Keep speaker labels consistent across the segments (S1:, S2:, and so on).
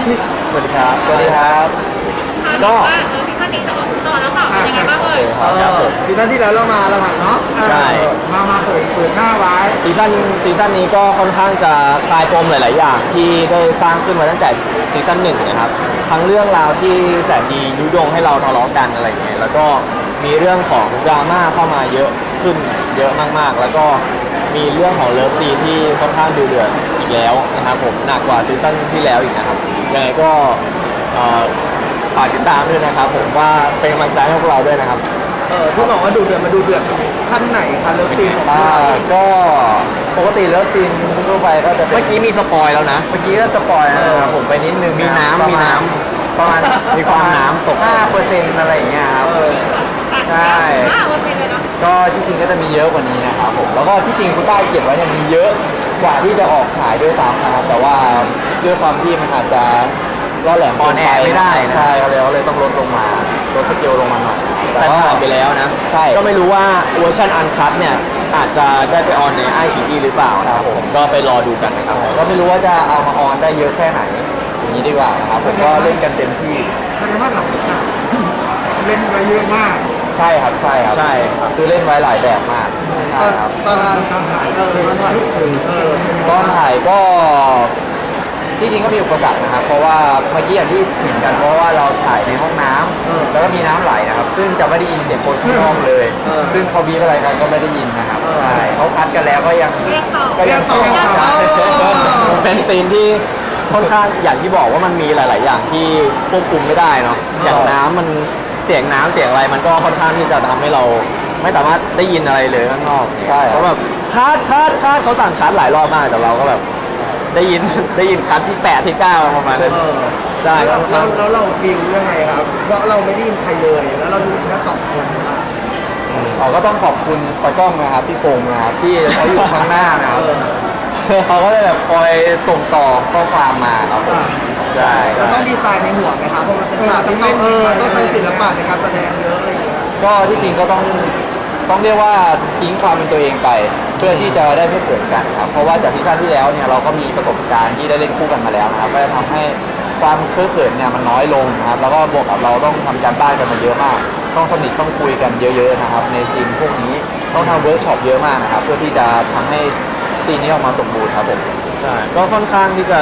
S1: สวัสดีครับสวัสดีครับก็
S2: ซีซั่นนี้ต่อแล้วค่ะเป็นยังไงบ้างเอ่ย
S1: ครับผม
S3: ซีซั่นที่แล้วเราหักเนาะ
S1: ใช่
S3: มาเปิดหน้าไว้
S1: ซีซั่นนี้ก็ค่อนข้างจะคลายปมหลาย ๆ อย่างที่ได้สร้างขึ้นมาตั้งแต่ซีซั่นหนึ่งนะครับทั้งเรื่องราวที่แสนดียุยงให้เราทะเลาะกันอะไรอย่างเงี้ยแล้วก็มีเรื่องของดราม่าเข้ามาเยอะขึ้นเยอะมาก ๆ แล้วก็มีเรื่องของเลิฟซีนที่ค่อนข้างดูเดือดอีกแล้วนะครับผมหนักกว่าซีซั่นที่แล้วอีกนะครับยังไงก็ฝากติดตามด้วยนะครับผมว่าเป็นกำลังใจให้พวกเราด้วยนะครับ
S3: ที่บอกว่าดูเดือดมาดูเดือดขั้นไหนคะเลิฟซีนของ
S1: ก็ปกติเลิฟซีนทั่วไปก็จะเมื่อกี้มีสปอยแล้วนะเมื่อกี้ก็สปอยนะครับผมไปนิดนึงมีน้ำประมาณมีความน้ำตก 5% อะไรอย่างเงี้ยครับใช่ก็ที่จริงก็จะมีเยอะกว่านี้นะครับผมแล้วก็ที่จริงคุณต้าเขียนไว้เนี่ยมีเยอะกว่าที่จะออกฉายด้วยซ้ำนะครับแต่ว่าด้วยความที่มันอาจจะล่อแหลมออนแอร์ไม่ได้นะใช่ก็เลยต้องลดลงมาลดสเกลลงมาหน่อยแต่ถ่ายไปแล้วนะใช่ก็ไม่รู้ว่าเวอร์ชันอันคัทเนี่ยอาจจะได้ไปออนในไอชีอีหรือเปล่านะครับผมก็ไปรอดูกันนะครับก็ไม่รู้ว่าจะเอามาออนได้เยอะแค่ไหนอย่างนี้ดีกว่านะครับผมก็เล่นกันเต็มที่
S3: แสดงว่าเราเล่นไว้เยอะมาก
S1: ใช่ครับคือเล่นไว้หลายแบบมาก
S3: ตอนถ่าย
S1: ตอนถ่ายก็ที่จริงก็มีอุปสรรคนะครับเพราะว่าเมื่อกี้อย่างที่เห็นกันเพราะว่าเราถ่ายในห้องน้ำแล้วก็มีน้ำไหลนะครับซึ่งจะไม่ได้ยินเสียงคนข้างนอกเลยซึ่งเขาบีบอะไรกันก็ไม่ได้ยินนะครับใช่เขาคัดกันแล้วก็ยังต่อเป็นซีนที่ค่อนข้างอย่างที่บอกว่ามันมีหลาย ๆ อย่างที่ควบคุมไม่ได้เนาะอย่างน้ำมันเสียงน้ำเสียงอะไรมันก็ค่อนข้างที่จะทำให้เราไม่สามารถได้ยินอะไรเลยข้างนอกใช่เขาแบบคัดเขาสั่งคัดหลายรอบมากแต่เราก็แบบได้ยินคัดที่8ที่9ประมาณนั้นใช่
S3: แล้วเราดิวยังไงครับเพราะเราไม่ได้ยินใครเลยแล้วเราดูแค่2 คน
S1: ก็ต้องขอบคุณตากล้องนะครับพี่โฟมนะครับที่เขาอยู่ข้างหน้านะครับเขาก็จะแบบคอยส่งต่อข้อความมาครับใช่
S3: เราต้องดีไซน์ในหัวไหมครับเพราะมันเป็นฉากที่ต้องเป็นศิลปะในการแสดงเยอะอะไรอย่างเงี้ย
S1: ก็ที่จริงก็ต้องเรียกว่าทิ้งความเป็นตัวเองไปเพื่อที่จะได้ไม่เขินกันครับเพราะว่าจากซีซั่นที่แล้วเนี่ยเราก็มีประสบการณ์ที่ได้เล่นคู่กันมาแล้วนะครับก็จะทำให้ความเคอะเขินเนี่ยมันน้อยลงนะครับแล้วก็บวกกับเราต้องทำการบ้านกันมาเยอะมากต้องสนิทต้องคุยกันเยอะๆนะครับในซีนพวกนี้ต้องทำเวิร์กช็อปเยอะมากนะครับเพื่อที่จะทำให้ซีนนี้ออกมาสมบูรณ์ครับผมใช่ก็ค่อนข้างที่จะ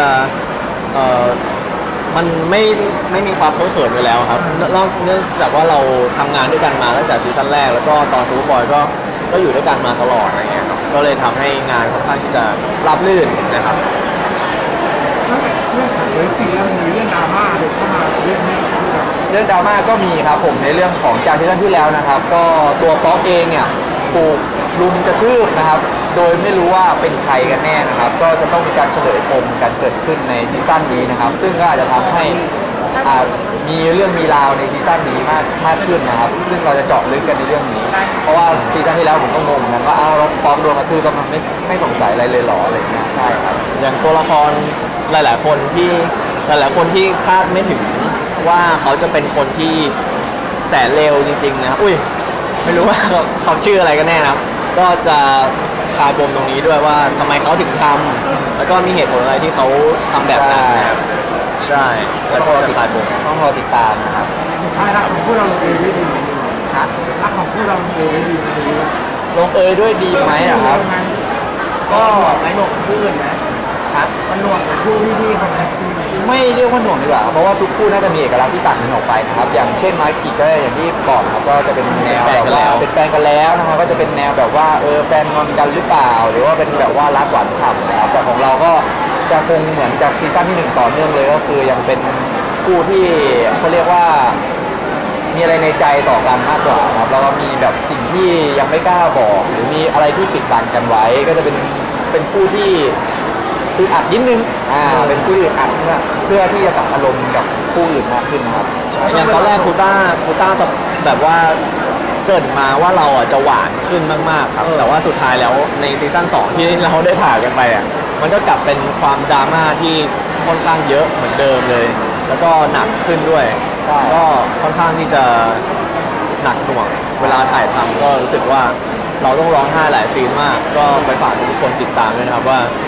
S1: มันไม่มีความเคอะเขินไปแล้วครับเนื่องจากว่าเราทำงานด้วยกันมาตั้งแต่ซีซั่นแรกแล้วก็ตอนซูเปอร์บอยก็อยู่ด้วยกันมาตลอดอะไรเงี้ยครับก็เลยทำให้งานค่อนข้างที่จะราบรื่นนะครับ
S3: เรื่องของเรื่องซีแล้วมีเรื่องดราม่าเด็กเข้ามาเรื่อง
S1: ดราม่าก็มีครับผมในเรื่องของจากซีซั่นที่แล้วนะครับก็ตัวป๊อกเองเนี่ยถูกลุมกระทืบนะครับโดยไม่รู้ว่าเป็นใครกันแน่นะครับก็จะต้องมีการเฉลยปมกันเกิดขึ้นในซีซั่นนี้นะครับซึ่งก็อาจจะทำให้มีเรื่องมีราวในซีซั่นนี้มากขึ้นนะครับซึ่งเราจะเจาะลึกกันในเรื่องนี้เพราะว่าซีซั่นที่แล้วผมก็งงเหมือนกันว่าเราป๊อกโดนกระทืบก็มันไม่สงสัยอะไรเลยหรออะไรเงี้ยใช่ครับอย่างตัวละครหลายๆคนที่คาดไม่ถึงว่าเขาจะเป็นคนที่แสนเลวจริงๆนะครับไม่รู้ว่าเขาชื่ออะไรกันแน่นะครับก็จะคลายปมตรงนี้ด้วยว่าทำไมเขาถึงทำแล้วก็มีเหตุผลอะไรที่เขาทำแบบนั้นนะครับใช่แล้วก็จะคลายปมต้องรอติดตามนะครับ
S3: รักของพวกเราลงเอยด้วยดีรักของพวกเราลงเอยด้วยดี
S1: ลงเอยด้วยดีไหมครับ
S3: ก็ไม่หนวกคู่อื่นนะครับมันหนวกคู่พี่คนนั้น
S1: ไม่เรียกว่าหน่วงดีกว่าเพราะว่าทุกคู่น่าจะมีเอกลักษณ์ที่ต่างกันออกไปนะครับอย่างเช่นมาร์กิก็อย่างที่บอกครับก็จะเป็นแนวแบบว่าเป็นแฟนกันแล้วนะครับก็จะเป็นแนวแบบว่าแฟนงอนกันหรือเปล่าหรือว่าเป็นแบบว่ารักหวานฉ่ำนะครับแต่ของเราก็จะคงเหมือนจากซีซั่นที่1ต่อเนื่องเลยก็คือยังเป็นคู่ที่เขาเรียกว่ามีอะไรในใจต่อกันมากกว่าครับแล้วก็มีแบบสิ่งที่ยังไม่กล้าบอกหรือมีอะไรที่ปิดบังกันไว้ก็จะเป็นคู่ที่คืออัดนิดนึงเป็นคู่อื่นอัดเพื่อที่จะตัดอารมณ์กับคู่อื่นมากขึ้นนะครับอย่างตอนแรกคูต้าแบบว่าเกิดมาว่าเราจะหวานขึ้นมากๆครับแต่ว่าสุดท้ายแล้วในซีซั่น2ที่เราได้ถ่ายกันไปมันก็กลับเป็นความดราม่าที่ค่อนข้างเยอะเหมือนเดิมเลยแล้วก็หนักขึ้นด้วยก็ค่อนข้างที่จะหนักหน่วงเวลาถ่ายทำก็รู้สึกว่าเราต้องร้องไห้หลายซีนมากก็ไปฝากทุกคนติดตามด้วยนะครับว่า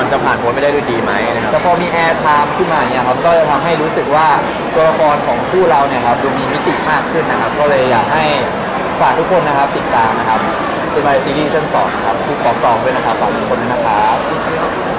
S4: มันจะผ่านพ้นไปได้ด้วยดีไหมนะครับ
S1: แต่พอมีแอร์ไทม์ขึ้นมาเนี่ยครับก็จะทำให้รู้สึกว่าตัวละครของคู่เราเนี่ยครับดูมีมิติมากขึ้นนะครับ ก็เลยอยากให้ฝากทุกคนนะครับติดตามนะครับเป็นมาซีรีส์ซีซั่น2นะครับคู่ปอกตองด้วยนะครับฝากทุกคนด้วยนะครับ